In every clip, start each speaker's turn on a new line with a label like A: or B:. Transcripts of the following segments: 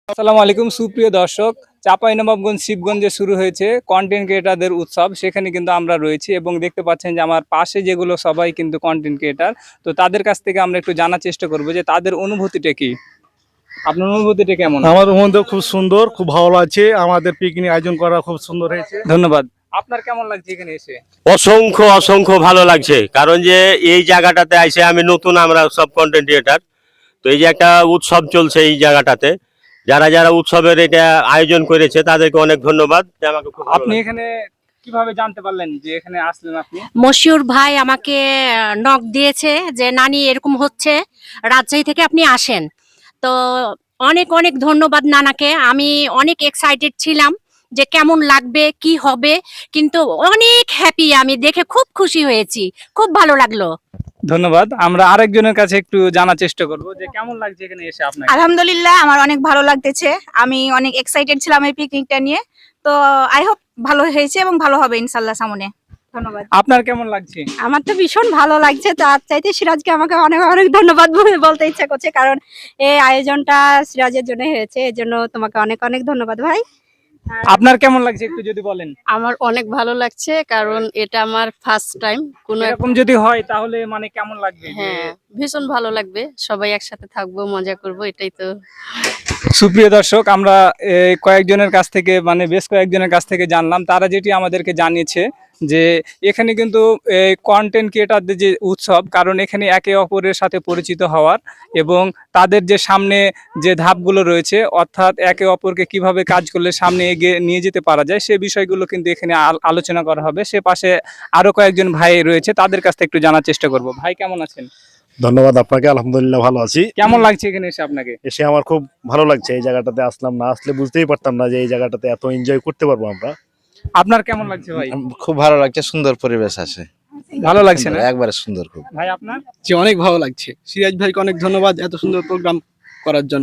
A: আসসালামু আলাইকুম সুপ্রিয় দর্শক, চাঁপাইনবাবগঞ্জ শিবগঞ্জে শুরু হয়েছে কন্টেন্ট ক্রিয়েটারদের উৎসব। সেখানে কিন্তু আমরা রয়েছি এবং দেখতে পাচ্ছেন যে আমার পাশে যেগুলো সবাই কিন্তু কন্টেন্ট ক্রিয়েটার। তো তাদের কাছ থেকে আমরা একটু জানার চেষ্টা করব যে তাদের অনুভূতিটা কি। আপনার অনুভূতিটা কেমন?
B: আমার মধ্যে খুব সুন্দর, খুব ভালো লাগছে। আমাদের পিকনিক আয়োজন করা খুব সুন্দর হয়েছে।
A: ধন্যবাদ। আপনার কেমন লাগছে এখানে এসে?
C: অসংখ্য অসংখ্য ভালো লাগছে, কারণ যে এই জায়গাটাতে আইসে আমি নতুন, আমরা সব কন্টেন্ট ক্রিয়েটার। তো এই যে একটা উৎসব চলছে এই জায়গাটাতে, যারা যারা উৎসবের এটা আয়োজন করেছে তাদেরকে অনেক ধন্যবাদ। যে আমাকে খুব ভালো
A: আপনি
C: লাগছে।
A: এখানে কিভাবে জানতে পারলেন যে এখানে আসলেন আপনি?
D: মশিউর ভাই আমাকে নক দিয়েছে যে নানি এরকম হচ্ছে, রাজশাহী থেকে আপনি আসেন। তো অনেক অনেক ধন্যবাদ নানাকে। আমি অনেক এক্সাইটেড ছিলাম যে কেমন লাগবে, কি হবে, কিন্তু অনেক হ্যাপি। আমি দেখে খুব খুশি হয়েছি, খুব ভালো লাগলো।
A: ধন্যবাদ। আমরা আরেকজনের কাছে একটু জানার চেষ্টা করব যে কেমন লাগছে এখানে এসে আপনার?
E: আলহামদুলিল্লাহ, আমার অনেক ভালো লাগতেছে। আমি অনেক এক্সাইটেড ছিলাম এই পিকনিকটা নিয়ে। তো আই হোপ ভালো হয়েছে এবং ভালো হবে ইনশাল্লাহ সামনে। ধন্যবাদ।
A: আপনার কেমন লাগছে?
E: আমার তো ভীষণ ভালো লাগছে। তার চাইতে সিরাজকে আমাকে অনেক অনেক ধন্যবাদ বলতে ইচ্ছা করছে, কারণ এই আয়োজনটা সিরাজের জন্য হয়েছে। এর জন্য তোমাকে অনেক অনেক ধন্যবাদ ভাই।
A: আপনার কেমন লাগছে একটু যদি বলেন?
F: আমার অনেক ভালো লাগছে, কারণ এটা আমার ফার্স্ট টাইম কোনো
A: এরকম যদি হয় তাহলে মানে কেমন লাগবে?
F: হ্যাঁ, ভীষণ ভালো লাগবে। সবাই একসাথে থাকবো, মজা করব, এটাই তো।
A: সুপ্রিয় দর্শক, আমরা কয়েকজনের কাছ থেকে মানে বেশ কয়েকজনের কাছ থেকে জানলাম, তারা যেটি আমাদেরকে জানিয়েছে যে এখানে কিন্তু কন্টেন্ট ক্রিয়েটারদের যে উৎসব, কারণ এখানে একে অপরের সাথে পরিচিত হওয়ার এবং তাদের যে সামনে যে ধাপগুলো রয়েছে, অর্থাৎ একে অপরকে কিভাবে কাজ করলে সামনে এগিয়ে নিয়ে যেতে পারা যায়, সে বিষয়গুলো কিন্তু এখানে আলোচনা করা হবে। সে পাশে আরো কয়েকজন ভাই রয়েছে, তাদের কাছ থেকে একটু জানার চেষ্টা করব। ভাই কেমন আছেন?
B: ধন্যবাদ আপনাকে। আলহামদুলিল্লাহ ভালো আছি।
A: কেমন লাগছে এখানে এসে আপনাকে?
B: এসে আমার খুব ভালো লাগছে। এই জায়গাটাতে আসলাম, না আসলে বুঝতেই পারতাম না যে এই জায়গাটাতে এত এনজয় করতে পারবো আমরা।
A: আপনার কেমন লাগছে ভাই?
G: খুব ভালো লাগছে, সুন্দর পরিবেশ আছে,
A: ভালো লাগছে না?
G: একবারে সুন্দর খুব।
A: ভাই আপনার?
H: জি, অনেক ভালো লাগছে। সিরাজ ভাইকে অনেক ধন্যবাদ এত সুন্দর প্রোগ্রাম করার জন্য।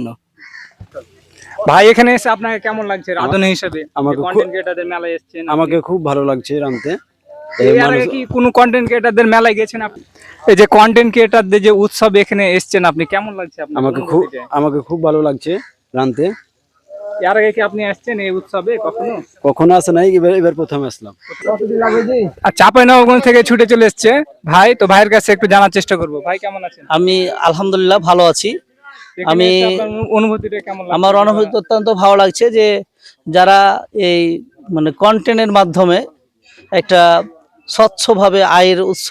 A: ভাই এখানে এসে আপনাকে কেমন লাগছে রাঁধুনি হিসেবে?
H: আমাকে
A: কন্টেন্ট ক্রিয়েটারদের মেলায় এসেছেন আপনি।
H: আমাকে খুব ভালো লাগছে রামতে।
A: এর আগে কি কোনো কন্টেন্ট ক্রিয়েটারদের মেলায় গেছেন আপনি? এই যে কন্টেন্ট ক্রিয়েটারদের যে উৎসব এখানে এসেছেন আপনি, কেমন লাগছে আপনার?
H: আমাকে খুব ভালো লাগছে রামতে।
A: এর আগে কি আপনি আসছেন এই উৎসবে কখনো?
H: কখনো আসে নাই, এবার প্রথম আসলাম।
A: আর চাঁপাইনবাবগঞ্জ থেকে ছুটে চলে এসেছে ভাই, তো ভাইয়ের কাছে একটু জানার চেষ্টা করব। ভাই কেমন আছেন?
I: আমি আলহামদুলিল্লাহ ভালো আছি।
A: এখানে এসে আপনার অনুভূতিটা কেমন লাগছে?
I: আমার অনুভূতি অত্যন্ত ভালো লাগছে যে যারা এই মানে কন্টেন্টের মাধ্যমে একটা স্বচ্ছভাবে আয়ের উৎস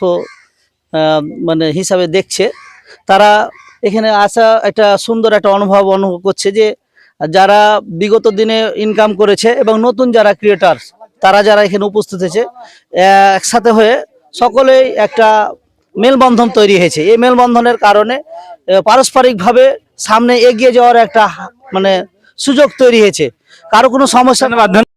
I: মানে হিসাবে দেখছে, তারা এখানে আসা একটা সুন্দর একটা অনুভব করছে যে যারা বিগত দিনে ইনকাম করেছে এবং নতুন যারা ক্রিয়েটার, তারা যারা এখানে উপস্থিত হয়েছে, একসাথে হয়ে সকলেই একটা মেলবন্ধন তৈরি হয়েছে। এই মেলবন্ধনের কারণে পারস্পরিকভাবে সামনে এগিয়ে যাওয়ার একটা মানে সুযোগ তৈরি হয়েছে। কারো কোনো সমস্যা